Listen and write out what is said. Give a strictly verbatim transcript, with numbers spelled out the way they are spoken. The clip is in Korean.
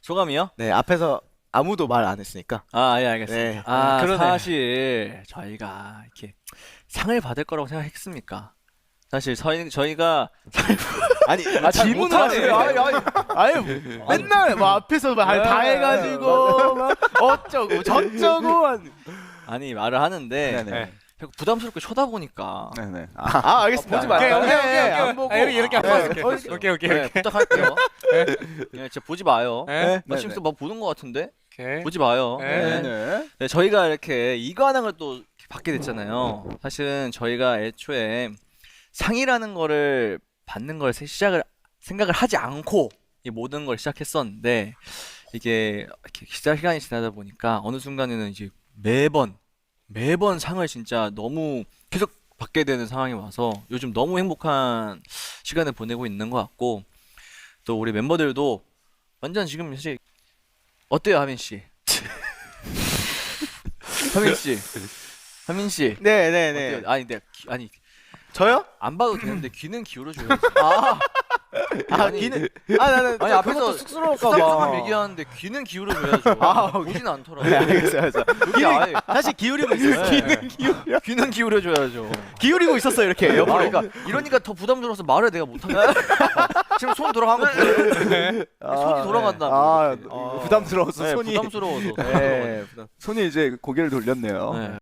소감이요? 네, 앞에서 아무도 말 안 했으니까. 아, 예, 알겠습니다. 네. 아, 그러네. 사실 저희가 이렇게 상을 받을 거라고 생각했습니까? 사실 저희 저희가 아니, 아, 잘 질문을 못하네. 하세요. 아니, 아니, 아니, 맨날 뭐 앞에서 막 다 네, 해가지고 막 어쩌고 저쩌고. 한- 아니 말을 하는데 네네. 자꾸 부담스럽게 쳐다보니까 네네. 아, 아, 알겠습니다. 보지 말아요. 오케이, 오케이, 네, 오케이, 안 오케이. 보고. 아, 이렇게 이렇게 네. 한번 할게. 어, 오케이, 오케이, 네, 오케이. 부탁할게요. 네, 진짜 보지 마요. 네. 나 지금 막 보는 것 같은데 오케이. 보지 마요. 네. 네. 네네. 네, 저희가 이렇게 이관왕을 또 이렇게 받게 됐잖아요. 사실은 저희가 애초에 상이라는 거를 받는 걸 세- 시작을 생각을 하지 않고 이 모든 걸 시작했었는데 이게 이렇게 시작 시간이 지나다 보니까 어느 순간에는 이제 매번 매번 상을 진짜 너무 계속 받게 되는 상황이 와서 요즘 너무 행복한 시간을 보내고 있는 것 같고 또 우리 멤버들도 완전 지금 사실 어때요, 하민 씨? 하민 씨, 하민 씨. 네네네. 어때요? 아니, 내가 귀- 아니 저요? 안 봐도 되는데 귀는 기울여줘야지. 아, 아, 아니, 귀는. 아, 나는 아니 저 앞에서 그것도 쑥스러울까 수상한 봐. 얘기하는데 귀는 기울여줘야죠. 아, 오케이. 보진 않더라고. 네, 알겠어요, 알겠어요. 여기 아예 사실 기울이고 있어요. 귀는 기울여. 귀는 기울여줘야죠. 기울이고 있었어요, 이렇게 아, 옆으로. 그러니까 이러니까 더 부담스러워서 말을 내가 못하겠다. 지금 손 돌아간 거 보여요? 아, 손이 돌아간다. 아, 이렇게. 아. 부담스러워서 네, 손이. 부담스러워서. 네, 손이 이제 고개를 돌렸네요. 네.